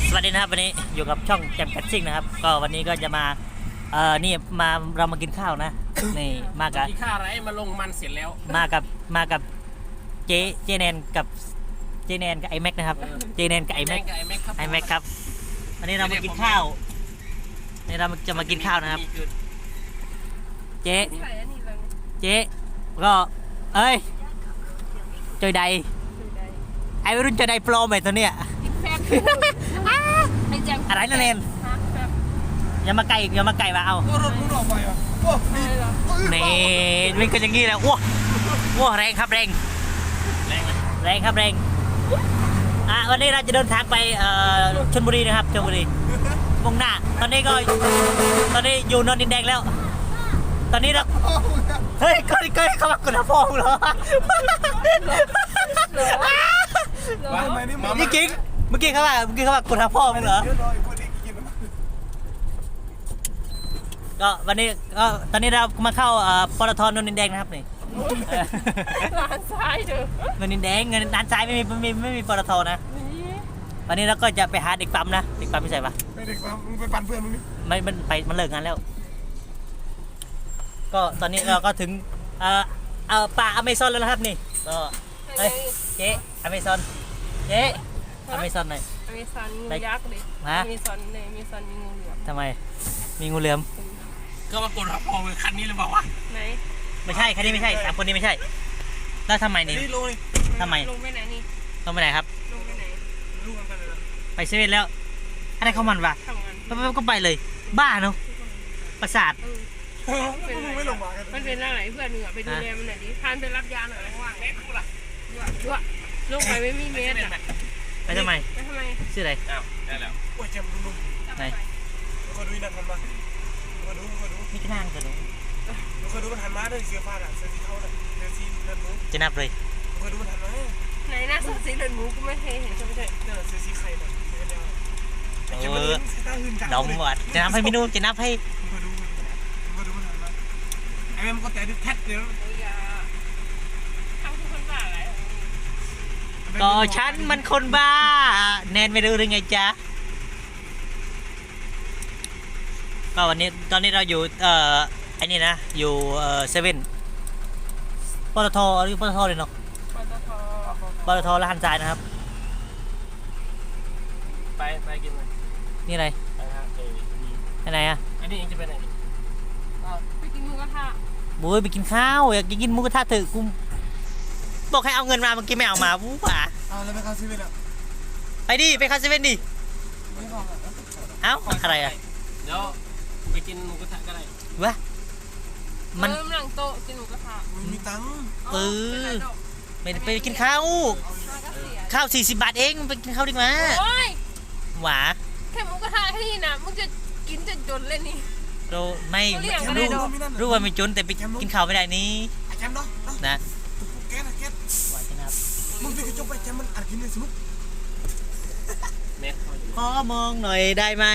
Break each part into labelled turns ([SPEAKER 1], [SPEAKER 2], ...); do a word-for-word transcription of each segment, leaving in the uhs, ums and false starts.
[SPEAKER 1] สวัสดีนะครับวันนี้อยู่กับช่องแจมแคชชิ่งนะครับก็วันนี้ก็จะมาเอ่อนี่มาเรามากินข้าวนะนี่มากับ
[SPEAKER 2] กินข้าวอะไรมาลงมันเสร็จแล้ว
[SPEAKER 1] มากับมากับเจเจแนนกับเจแนนกับไอแม็กนะครับเจแนนกับไอแม็กไอแม็กครับวันนี้เรามากินข้าวนี่เราจะมากินข้าวนะครับเจ๊เจ๊ก็เอ้ยจอยใดไอรุ่นจอยใดโปรไหมตัวเนี้ยอะไรนั่นเองอย่ามาไก่อย่ามาไก่มาเอานี่มันก็อย่างงี้แหละว้าว้าแรงครับแรงแรงแรงครับแรงอ่ะวันนี้เราจะเดินทางไปชลบุรีนะครับชลบุรีมุ่งหน้าตอนนี้ก็ตอนนี้อยู่นนท์ดินแดงแล้วตอนนี้เราเฮ้ยก็ก็เขามากดพ่อเหรอนี่กิ๊กเมื่อกี้เขาว่าเมื่อกี้เขาว่ากดพ่อมึงเหรอก็วันนี้ก็ตอนนี้เรามาเข้าปตท.นนท์ดินแดงนะครับนี่
[SPEAKER 3] ร้านซ้ายเด้อน
[SPEAKER 1] นท์ดินแดงเงินด้านซ้ายไม่มีไม่มีไม่มีปตท.นะวันนี้เราก็จะไปหาเด็กปั๊มนะเด็กปั๊มไม่ใช่ปะ
[SPEAKER 4] ไม่เด็กปั๊มมึงไปปั่นเพื่อนมึงนี่
[SPEAKER 1] ไม่มันไปมันเลิกงานแล้วก็ตอนนี้เราก็ถึงเอ่อเอ่อป่าอเมซอนแล้วนะครับนี่ก็เฮ้ยเจ๊อเมซอนเจ๊อเมซอนหน่อย
[SPEAKER 3] อเมซอนงูยักษ์เลยอเมซอนเลยอเมซอนมีงูเหลือม
[SPEAKER 1] ทำไมมีงูเหลือม
[SPEAKER 2] ก็มากดรับพอเลยคันนี้เลยบอกว่า
[SPEAKER 3] ไหน
[SPEAKER 1] ไม่ใช่คันนี้ไม่ใช่สามคนนี้ไม่ใช่แล้วทำไมนี่ทำไม
[SPEAKER 3] ลงไปไหนนี่
[SPEAKER 1] ลงไปไหนครับ
[SPEAKER 3] ลงไปไหน
[SPEAKER 2] ลูกมันไปเลย
[SPEAKER 1] ไปเซเว่นแล้วอะไรเขามันวะก็ไปเลยบ้าเนาะประสาท
[SPEAKER 4] ไม่ลงมา
[SPEAKER 3] มันเป็นอะไรเพื่อนหนึ่งอ่ะไปดูแลมันหน่อยดิพานไปรับยาหน่อยว่างแม่กูล่ะด้วยลงไปไม่มีเมตรอ่ะ
[SPEAKER 1] ไปทำไม
[SPEAKER 3] ไปทำไม
[SPEAKER 1] ชื่ออะไร
[SPEAKER 2] อ้าวได้แล้ว
[SPEAKER 4] โอ้ยเจ็บนุ่ม
[SPEAKER 1] ไหน
[SPEAKER 4] ก็ดูนั่นกันมาก็ดูก็ดู
[SPEAKER 1] นี่ก็นั่งกันดู
[SPEAKER 4] ก็ดูมันหันมาด้วยเสียฟ้าอ่ะเสียสีเทาเลยเสียสีเลือดหมู
[SPEAKER 1] จะนับเลย
[SPEAKER 4] ก็ดูมันหันมา
[SPEAKER 3] ไหนหน้าเสียสีเลือดหมูกูไม่เคยเห็นใช่ไหมใช่
[SPEAKER 4] เออเสียสีไข่เนี่ยเสียเดียว
[SPEAKER 1] เออดมหมดจะนับให้มินูจะนับให้
[SPEAKER 4] ก็ดูก็ดูมันหันมาไอ้แม่มันก็แต่ดิแท็กเดียว
[SPEAKER 3] ทำทุกคนบ้าอะไร
[SPEAKER 1] ก็ฉันมันคนบ้าแนนไม่รู้หรือไงจ๊ะก็วันนี้ตอนนี้เราอยู่เอ่อไอ้นี่นะอยู่เอ่อเซเว่นปตทหรือปตทเลยเนาะ
[SPEAKER 3] ปตท
[SPEAKER 1] ปตทร้านทรายนะครับ
[SPEAKER 2] ไปไปกินเลย
[SPEAKER 1] นี่อะไร
[SPEAKER 2] ไปฮะเออ
[SPEAKER 1] ไปไหนอ่ะ
[SPEAKER 2] อันนี้เองจะไปไหน
[SPEAKER 3] ไปกินหมูกระทะ
[SPEAKER 1] บุ้ยไปกินข้าวอยากกินหมูกระทะเถอะกูบอกให้เอาเงินมาเมื่อกี้ไม่เอามาวู้ป่ะ
[SPEAKER 4] เอาแล้วไปเข้าเซเว่นอ่ะ
[SPEAKER 1] ไปดิไปเข้าเซเว่นดิเอ้าอะไรอ่ะ
[SPEAKER 2] เดี๋ยวไปกินหมูกระทะก็ได้
[SPEAKER 1] วะ
[SPEAKER 3] มันหลังโต๊ะกินหมูกระทะ
[SPEAKER 4] มีตังค์
[SPEAKER 1] เออไม่ไปกินข้าวข้าวสี่สิบบาทเองไปกินข้าวดีกว่าหวา
[SPEAKER 3] แค่หมูกระทะแค่นี้นะมึงจะกินจนจนเลยนี่
[SPEAKER 1] เราไม่รู้รู้ว่าไม่จนแต่ไปกินข้าวไม่ได้นี่
[SPEAKER 4] แจมเนาะ
[SPEAKER 1] นะ
[SPEAKER 4] แกนะแก
[SPEAKER 1] หวานนะครับ
[SPEAKER 4] มึงไปกระจกไปแจมมันอัดกินเลยสนุก
[SPEAKER 1] ขอมองหน่อยได้ไหม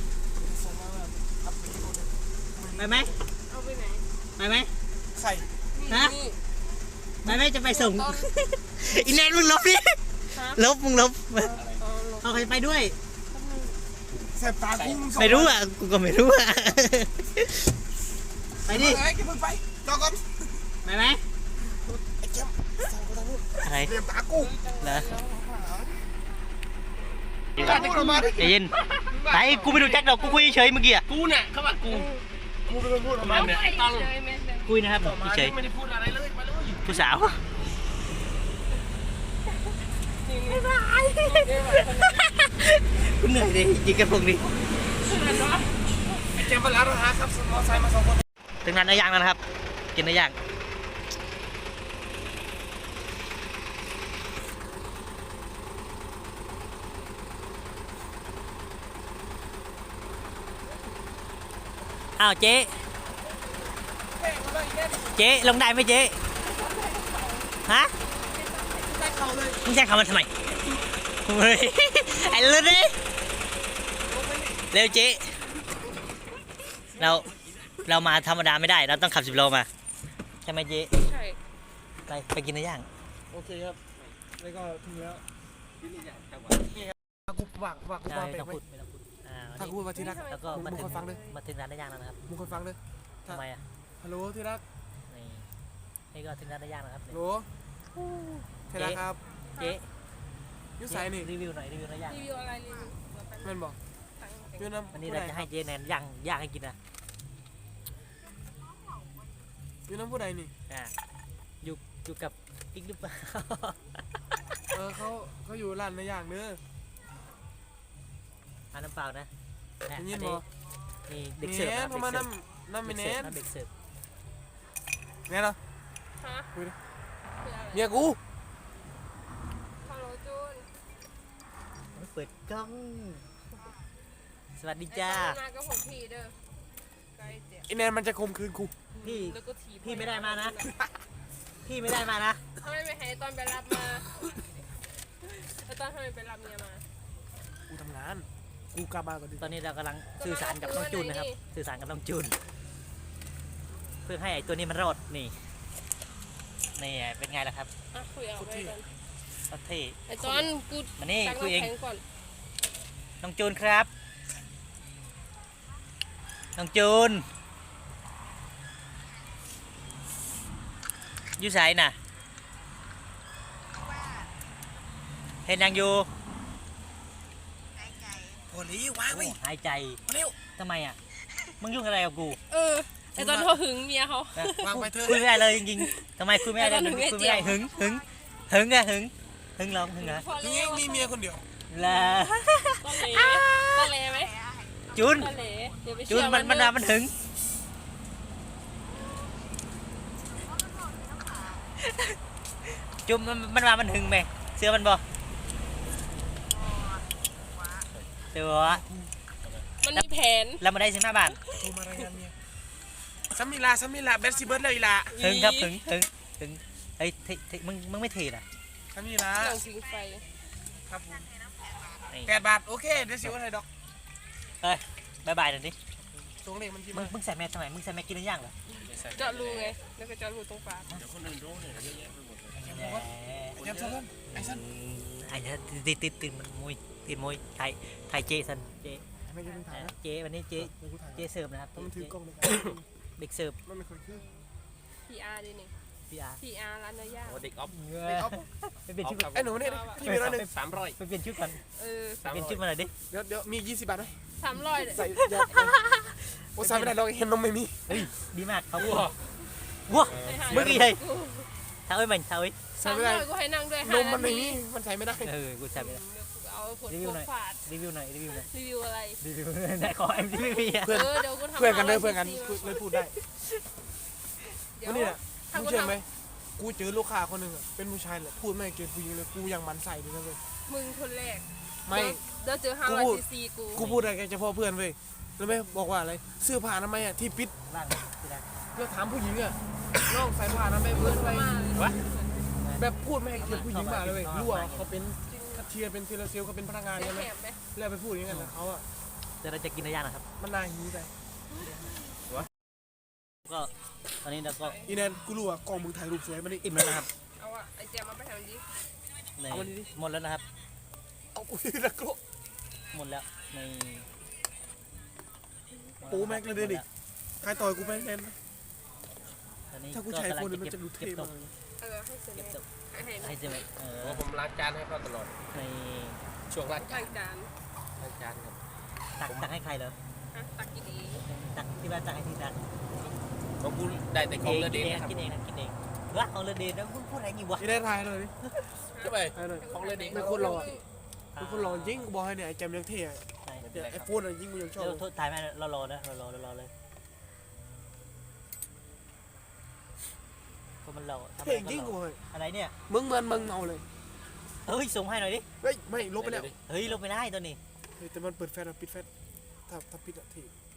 [SPEAKER 1] ไปไหม
[SPEAKER 3] เอาไปไหน
[SPEAKER 1] ไปไหม
[SPEAKER 4] ใส่
[SPEAKER 1] ฮะไปไหมจะไปส่งอีแนนมึงลบดิลบมึงลบเอาใครไปด้วย
[SPEAKER 4] แสบตากู
[SPEAKER 1] ไม่รู้อ่ะกูก็ไม่รู้อ่ะไปดิ
[SPEAKER 4] ไอ้กินมึงไปรอก่อน
[SPEAKER 1] ไปไหม
[SPEAKER 4] ไอ้แจมสั่งกูทางนู้น
[SPEAKER 1] อะไร
[SPEAKER 4] เตรียมตากู
[SPEAKER 1] เหรอใจเย็นไปกูไม่รู้แจ็คดอกกูคุยเฉยเมื่อกี้อ่ะ
[SPEAKER 2] กูเนี่ยเขาว่ากู
[SPEAKER 4] กูเป็นคนพูดออกมา
[SPEAKER 2] เนี่ยต้อง
[SPEAKER 1] คุยนะครับเฉย
[SPEAKER 2] ไม่ได้พูดอะไรเลยมาเลย
[SPEAKER 1] ผู้สาวกูเหนื่อยดิยิงกันพวกนี้
[SPEAKER 4] ไอ้เจมส์ไปร้านอาหารครับมอไซค์มาสองคน
[SPEAKER 1] ถึงร้านเนื้อย่างแล้วนะครับกินเนื้อย่างอ้าวเจ๊เจ๊ลงได้ไหมเจ๊ฮะมึงแจ้งเขามาทำไมเฮ้ยไอ้เลือดเลยเร็วเจ๊เราเรามาธรรมดาไม่ได้เราต้องขับสิบโลมาใช่ไหมเจ๊
[SPEAKER 3] ใช่
[SPEAKER 1] ไปไปกินเนื้อย่าง
[SPEAKER 4] โอเคครับแล้วก็ถึงแล้ว
[SPEAKER 1] กู
[SPEAKER 4] กูวางวางกู
[SPEAKER 1] ใช่
[SPEAKER 4] วาง
[SPEAKER 1] ไม่
[SPEAKER 4] ไป
[SPEAKER 1] ต้อง
[SPEAKER 4] ไหม
[SPEAKER 1] พูดไม่ต้องพูดอ่าวัน
[SPEAKER 4] ถ้า
[SPEAKER 1] นี้
[SPEAKER 4] กูว่าที่รัก
[SPEAKER 1] แล้วก็มา
[SPEAKER 4] มึง
[SPEAKER 1] ถึง
[SPEAKER 4] คนฟังเลย
[SPEAKER 1] มาถึงร้านได้ย่างแล้วนะครับ
[SPEAKER 4] มึงคนฟังเลย
[SPEAKER 1] ทำไมอ่ะ
[SPEAKER 4] ฮัลโหลที่รัก
[SPEAKER 1] นี่นี่ก็ถึงร้านได้ย่างแล้วครับ
[SPEAKER 4] ฮัลโหลที่รักครับ
[SPEAKER 1] เจ๊
[SPEAKER 4] ยูไซนี่
[SPEAKER 1] รีวิวหน่อยรีวิวร้านย่าง
[SPEAKER 3] รีวิวอะไรรีวิวเราไป
[SPEAKER 4] แม่นบอกยูน้ำ
[SPEAKER 1] วันนี้เราจะให้เจ๊แนนย่างย่างให้กินนะ
[SPEAKER 4] ยูน้ำผู้ใดนี่
[SPEAKER 1] อ่าอยู่อยู่กับอีกหรือเปล่า
[SPEAKER 4] เออเขาเขาอยู่ร้านในอย่างเนื้อ
[SPEAKER 1] อ่าน้ำเปล่านะอ่ะ
[SPEAKER 4] ได้ยิน
[SPEAKER 1] อั
[SPEAKER 4] บ่
[SPEAKER 1] นี่เด็กเสิร์ฟ
[SPEAKER 4] แห
[SPEAKER 1] นะ
[SPEAKER 4] นเขามาน้ำน้ำไม่
[SPEAKER 1] เด็ก
[SPEAKER 4] แน่
[SPEAKER 1] เสิร์ฟ
[SPEAKER 4] น
[SPEAKER 1] นะเด็กเสิร์ฟ
[SPEAKER 4] แน่เนาะ
[SPEAKER 3] ฮะ
[SPEAKER 4] คุยดิ
[SPEAKER 3] คืออะไร
[SPEAKER 4] เมียกู
[SPEAKER 3] ฮัลโหลจูน
[SPEAKER 1] เปิดกล้องสวัสดีจ้า
[SPEAKER 3] ไอ้ตอนมาก็ผมพี่เด้อไกลเจ็บ
[SPEAKER 4] ไอแนนมันจะข่มขืนกู
[SPEAKER 1] พี่
[SPEAKER 3] แล้วก็ถีบ
[SPEAKER 1] พี่ไม่ได้มานะ พี่ไม่ได้มานะ
[SPEAKER 3] ทำไมไม่ให้ตอนไปรับมาแล้วตอนทำไมไปรับเมียมา
[SPEAKER 4] กูทำงานกูกลับมาก่อนดิ
[SPEAKER 1] ตอนนี้เรากำลังสื่อสารกับน้องจูนนะครับ สื่อสารกับน้องจูน เพื่อให้ไอ้ตัวนี้มันรอดนี่นี่เป็นไงล่ะครับ
[SPEAKER 3] อ่ะคุยเอาไปกัน
[SPEAKER 1] โอเค
[SPEAKER 3] ไอ้ตอนกู
[SPEAKER 1] มานี่
[SPEAKER 3] ตั้ง
[SPEAKER 1] คุยเอง
[SPEAKER 3] น้ำแข็งก่อน
[SPEAKER 1] น้องจูนครับ น้องจูนอยู่ไสน่ะ เห็นยังอยู่
[SPEAKER 4] โอ้ลีว้างไว้
[SPEAKER 1] หายใจ
[SPEAKER 4] เร็ว
[SPEAKER 1] ทำไมอ่ะ มึงยุ่งอะไรกับกู
[SPEAKER 3] เออไอ้ตอนเขาหึงเมียเขา
[SPEAKER 1] นะ
[SPEAKER 4] วางไปเถอะ
[SPEAKER 1] คุยไม่ได้เลยจริงๆทำไมคุยไม่ได้เลย
[SPEAKER 3] แล้วก็หึงไอ้
[SPEAKER 1] คุยไม่ได้
[SPEAKER 3] เจียว
[SPEAKER 1] หึงหึงหึงอะหึงหึงร้องหึงเหรอ
[SPEAKER 3] พอ
[SPEAKER 4] นี่
[SPEAKER 3] แล้ว
[SPEAKER 4] มีเมียคนเดียว
[SPEAKER 1] ลา
[SPEAKER 3] ต้องเละต้องเละไหม
[SPEAKER 1] จูน
[SPEAKER 3] ต้องเละเดี๋ยวไป
[SPEAKER 1] จู
[SPEAKER 3] เชื่
[SPEAKER 1] น
[SPEAKER 3] อ
[SPEAKER 1] มันมัน
[SPEAKER 3] เด้อ
[SPEAKER 1] มันหึงจูนมันมันมามันหึงไหมเสื้อมันบ่เสื้อ
[SPEAKER 3] มันมีแผน
[SPEAKER 1] แล้วมาได้สิบห้าบาท
[SPEAKER 4] โทรมารายงานเมียซัมมิลาซัมมิลาเบสซิเบิร์ดเลยอีลา
[SPEAKER 1] หึงครับหึงหึงหึงไอ้ยเทเทมึงมึงไม่เทน่ะ
[SPEAKER 4] ซัมมิลา
[SPEAKER 3] หนังสิงไฟ
[SPEAKER 4] ครับผม
[SPEAKER 1] นี่
[SPEAKER 4] แปดบาทโอเคเดี๋ยวสิว่าไทยดอก
[SPEAKER 1] เอ้ยบายบายหน่อยดิ
[SPEAKER 4] ตรงเลขมันที่
[SPEAKER 1] มึ
[SPEAKER 4] มาง
[SPEAKER 1] มึงใส่แมสทำไมมึงใส่แมสกินหรือยังเหรอ
[SPEAKER 3] เจาะรูไงแล้วก็เจาะรูตรงปาก
[SPEAKER 2] เดี๋ยวคนอื่นรู้เนี่ยเยอะแยะไปหมดเลย
[SPEAKER 1] แหม
[SPEAKER 4] ไอ้ยับซันไอ้ซัน
[SPEAKER 1] ไอ้เนี่ยติดติดติดมันมวยติดมวยไทยไทยเจสันเจ
[SPEAKER 4] ไม่ใช่เป็นถ่ายนะ
[SPEAKER 1] เจวันนี้เจ
[SPEAKER 4] ไม่กูถ่าย
[SPEAKER 1] เจเสิร์ฟนะครับ
[SPEAKER 4] ต้องถือกล้องเลย
[SPEAKER 1] เด็กเสิร์ฟ
[SPEAKER 4] มันไม่เคยขึ้น
[SPEAKER 3] พีอาร์ดินี่
[SPEAKER 1] พีอาร์
[SPEAKER 3] พีอาร์ร้านเนื้อย่าง
[SPEAKER 2] โอ้เด็กออฟ
[SPEAKER 4] ไอ้อ๊อฟ
[SPEAKER 1] ไปเปลี่ยนชุดก่อน
[SPEAKER 4] ไอ้หนูเนี่ยพี่มีร้อยหนึ่ง
[SPEAKER 2] สามร้อย
[SPEAKER 1] ไปเปลี่ยนชุดก่อน
[SPEAKER 3] เออ
[SPEAKER 1] ไปเปลี่ยนชุดมาหน่อยดิ
[SPEAKER 4] เดี๋ยวเดี๋ยวมียี่สิบบาทไหม
[SPEAKER 3] สามร้อยเลย
[SPEAKER 4] ใส่ยาโอ้ใส่ไม่ได้เราเห็นนมไม่มี
[SPEAKER 1] เฮ้ยดีมากเขาว้าว้า มึงอีกเลย เท้าไอ้มันเท้าไอ้
[SPEAKER 4] ใส่
[SPEAKER 3] สาม
[SPEAKER 4] ไม่
[SPEAKER 3] ร้
[SPEAKER 4] ได้
[SPEAKER 3] อยกูให้นั่งด้วย
[SPEAKER 4] น
[SPEAKER 3] ห้าม
[SPEAKER 4] มัน
[SPEAKER 3] นา
[SPEAKER 4] ไม่
[SPEAKER 3] ที
[SPEAKER 4] มีมันใส่ไม่ได้
[SPEAKER 1] เออกูใส่ไม่ได้
[SPEAKER 3] เอาผล
[SPEAKER 1] รีวิวหน่อย
[SPEAKER 3] ฝาด
[SPEAKER 1] รีวิวหน่อยรีวิวหน่อย
[SPEAKER 3] รีวิวอะไร
[SPEAKER 1] รีวิวไหนขอเอ็มที่ไม่มีอ่ะ
[SPEAKER 4] เพื่อน
[SPEAKER 3] เออเดี๋ยวกูทำ
[SPEAKER 4] เพื่อนกันเลย
[SPEAKER 3] า
[SPEAKER 4] เพื่อนกัน
[SPEAKER 3] ซีซี
[SPEAKER 4] พูดเลยพูดได้
[SPEAKER 3] เดี๋ยว
[SPEAKER 4] วันนี้แหละ
[SPEAKER 3] ถ้า
[SPEAKER 4] มึง
[SPEAKER 3] กู
[SPEAKER 4] เชื่อไหม
[SPEAKER 3] ทำ
[SPEAKER 4] กูเจอลูกค้าคนหนึ่งอะเป็นผู้ชายแหละพูดไม่เกินผู้หญิงเลยกูยังมันใส่เลยนะเว้ย
[SPEAKER 3] มึงคนแรก
[SPEAKER 4] ไม่
[SPEAKER 3] เดี๋ยวเจอห้าร้อยซีซีกู
[SPEAKER 4] กูพูดอะไรแกเฉพาะเพื่อนเว้ยรู้ไหมบอกว่าอะไรเสื้อผ้าทำไมยอะที่ปิด
[SPEAKER 1] ล่างที่ได้
[SPEAKER 4] เราถามผู้หญิงอะน้องใส่ผ้าทำไมยเพื่อนไป
[SPEAKER 3] มา
[SPEAKER 2] วะ
[SPEAKER 4] แบบพูดไม่ให้เกียรติผู้หญิงมาเลยเว้ยรู้ว่าเขาเป็นแคชเชียร์เป็นเซลล์เขาเป็นพนักงาน
[SPEAKER 3] แห
[SPEAKER 4] ใช่ไหม
[SPEAKER 3] บไหม
[SPEAKER 4] แล้วไปพูดอย่างนั้นนะเขาอะ
[SPEAKER 1] เดี๋ยวเราจะกินเนื้อย่างนะครับ
[SPEAKER 4] มันน่าหิวไป
[SPEAKER 1] ก็ตอนนี้เราก็
[SPEAKER 4] อีแนนกูรู้ว่ากล้องมึงถ่ายรูปสวยมันนี่
[SPEAKER 1] อิ่มแล้วนะครับ
[SPEAKER 3] เอาอะไอเจียมาไปทำดิ
[SPEAKER 1] ใน
[SPEAKER 4] เอามาดิ
[SPEAKER 1] หมดแล้วนะครับ
[SPEAKER 4] เอากูที่ตะโก
[SPEAKER 1] หมดแล้วใน
[SPEAKER 4] ปูแม็กเลยเด้ดิใครต่อยกูไปแนน
[SPEAKER 1] ตอนนี้
[SPEAKER 4] ถ้ากูใช้ไอโฟน
[SPEAKER 1] ก็
[SPEAKER 4] มัน
[SPEAKER 1] กำลัง
[SPEAKER 4] จะดูเท่
[SPEAKER 1] เก็บต
[SPEAKER 4] มาก
[SPEAKER 1] ก
[SPEAKER 4] เลย
[SPEAKER 3] เออให้เสร็จ
[SPEAKER 1] เก็บตก
[SPEAKER 3] ให้ให้
[SPEAKER 1] ให้เจอไหมเออ
[SPEAKER 2] โอ้ผมล้างจานให้เขาตลอด
[SPEAKER 1] ใน
[SPEAKER 2] ช่วงล้างจา
[SPEAKER 3] ล้าน งจาน
[SPEAKER 2] ล้างจานครับ
[SPEAKER 1] ตักตักให้ใครเหรอ
[SPEAKER 3] ฮะตักกี่ดี
[SPEAKER 1] ตักที่บ้านตักให้ที่ตัก
[SPEAKER 2] ของกูได้แต่ของเล
[SPEAKER 1] กิ
[SPEAKER 2] ดี
[SPEAKER 1] นเอง
[SPEAKER 2] นะครับ
[SPEAKER 1] กินเองนะกินเองวะของเรเดนแล้วมึงพูดอะไรงี้วะ
[SPEAKER 4] อีแนนถ่ายเลยดิ
[SPEAKER 2] ก็ไป
[SPEAKER 4] ถ่ายเลย
[SPEAKER 2] ของเลดี
[SPEAKER 4] ไม่คนรอเป็นคนรอจริงกูบอกให้เนี่ยไอ้แกมยังเท่อะ
[SPEAKER 1] ใช่
[SPEAKER 4] เดี๋ยวไอ้โฟนอะยิงกูยังชอบ
[SPEAKER 1] เดี๋ยวโทษถ่ายไหมเรารอนะเรารอเรารอเลยก็มันรอทำอะ
[SPEAKER 4] เท่
[SPEAKER 1] ไร
[SPEAKER 4] จริง
[SPEAKER 1] ก็
[SPEAKER 4] กู
[SPEAKER 1] รอ
[SPEAKER 4] เฮ้ย
[SPEAKER 1] อะไรเนี่ย
[SPEAKER 4] มึงเหมือนมึงเมาเลย
[SPEAKER 1] เฮ้ยส่งให้หน่อยดิ
[SPEAKER 4] เฮ้ยไม่ลบไปแล้ว
[SPEAKER 1] เฮ้ยลงไปได้ตัวนี้
[SPEAKER 4] เฮ้ยแต่มันเปิดแฟนอะปิดแฟนถ้าถ้าปิดอะเท่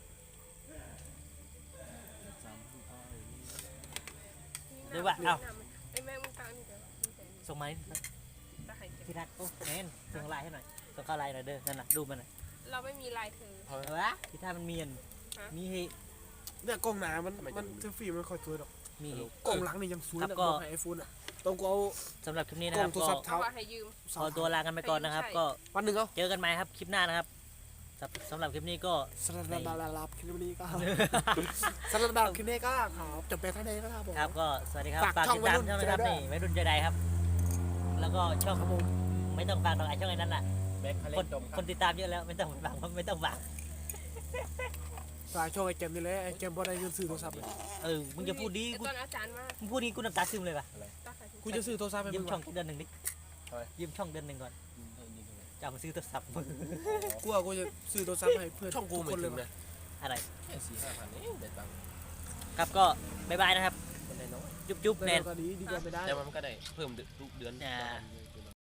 [SPEAKER 1] หรือว่าเอ้า
[SPEAKER 3] ไอ้แม่มึงตังนี่เดี๋ยวมึงแต่ง
[SPEAKER 1] ส่งมาดิ
[SPEAKER 3] ตาไข่เจ็บ
[SPEAKER 1] ที่รักโอ้เน้นส่งไลน์ให้หน่อยส่งเข้าไลน์หน่อยเด้อนั่นน่ะรูปมันน่ะ
[SPEAKER 3] เราไม่มีลายเธอ
[SPEAKER 1] เอาวะที่ท่ามันมีอันมีให้
[SPEAKER 4] เนี่ยกล้องหนามันมันเซลฟี่มันค่อยสวยหรอก
[SPEAKER 1] มี
[SPEAKER 4] กล้องหลังนี่ยังสวย
[SPEAKER 1] ครั
[SPEAKER 4] นะ
[SPEAKER 1] บก็
[SPEAKER 4] บอกให้ไอโฟนอะ
[SPEAKER 1] ต
[SPEAKER 4] ต้องกูเอา
[SPEAKER 1] สำหรับคลิปนี้
[SPEAKER 4] ก
[SPEAKER 1] นะ
[SPEAKER 4] ล้
[SPEAKER 1] ค
[SPEAKER 4] อ
[SPEAKER 1] รั
[SPEAKER 4] ง
[SPEAKER 1] บ
[SPEAKER 4] โทร
[SPEAKER 1] ก็
[SPEAKER 4] ศัพท์
[SPEAKER 3] เพ
[SPEAKER 4] เท้า
[SPEAKER 3] ราะว่าให้ยืม
[SPEAKER 1] ขอตัวลากันไปก่อนนะครับ ก็
[SPEAKER 4] วันหนึ่งเอา
[SPEAKER 1] เจอกันใหม่ครับคลิปหน้านะครับสำสำหรับคลิปนี้ก็
[SPEAKER 4] สลับลาลาลาคลิปนี้ก็สลับลาคลิปนี้ก็ครับจบไปแค่นี้ก็ครับผม
[SPEAKER 1] ครับก็สวัสดีครับ
[SPEAKER 4] ฝาก
[SPEAKER 1] ฝาก
[SPEAKER 4] ช่อง
[SPEAKER 1] ติดตาม
[SPEAKER 4] วัยรุ่น
[SPEAKER 1] ช่องนะครับ
[SPEAKER 4] เจได
[SPEAKER 1] นี่วัยรุ่นเจไดครับ แล้วก็ช่อง
[SPEAKER 4] ครับผม
[SPEAKER 1] ไม่ต้องฝากหรอกไอช่องไอ้นั้นน่ะ
[SPEAKER 2] แบ็คคาเล
[SPEAKER 1] คน
[SPEAKER 2] นดมค
[SPEAKER 1] ครับ นติดตามเยอะแล้วไม่ต้องฝากไม่ต้องฝาก
[SPEAKER 4] สายช่องไอ้เกมนี่แหละไอ้เกมบ่ได้เงินซื้อโทรศัพท์เลย
[SPEAKER 1] เออมึงจะพูดดี
[SPEAKER 3] ไอ้
[SPEAKER 1] กู
[SPEAKER 3] ตอนอาจารย์มา
[SPEAKER 1] มึงพูดนี้กูน้ำตาซึมเลยป่ะ
[SPEAKER 3] ต้องใส่ถุง
[SPEAKER 4] กูจะซื้อโทรศัพท์ให้
[SPEAKER 1] ยื
[SPEAKER 4] มึ
[SPEAKER 1] ม
[SPEAKER 4] ง
[SPEAKER 1] ช่อง
[SPEAKER 4] วะ
[SPEAKER 1] เดือนหนึ่งดิยืมช่องเดือนหนึ่งก่อนจะเอามาซื้อโทรศัพท์มึง
[SPEAKER 4] กูว่ากูจะซื้อโทรศัพท์ให้เพื่อน
[SPEAKER 2] ช่องกู
[SPEAKER 4] ทุ
[SPEAKER 2] ไม่
[SPEAKER 4] คนเล
[SPEAKER 2] ถึ
[SPEAKER 4] ย
[SPEAKER 2] ง
[SPEAKER 4] วะ
[SPEAKER 2] นะ
[SPEAKER 1] อะไร
[SPEAKER 2] แค่สี่ห้าพันเองเด็ดตังค์
[SPEAKER 1] ครับก็บ๊ายบายนะครับ
[SPEAKER 2] มันได้น้อย
[SPEAKER 1] จุ๊บจุ๊บแนน
[SPEAKER 4] แต่ตอนนี้ดีกว่าไม่ได้
[SPEAKER 2] แต่มันก็ได้เพิ่มทุกเดือน
[SPEAKER 1] อ่า
[SPEAKER 2] ประมาณ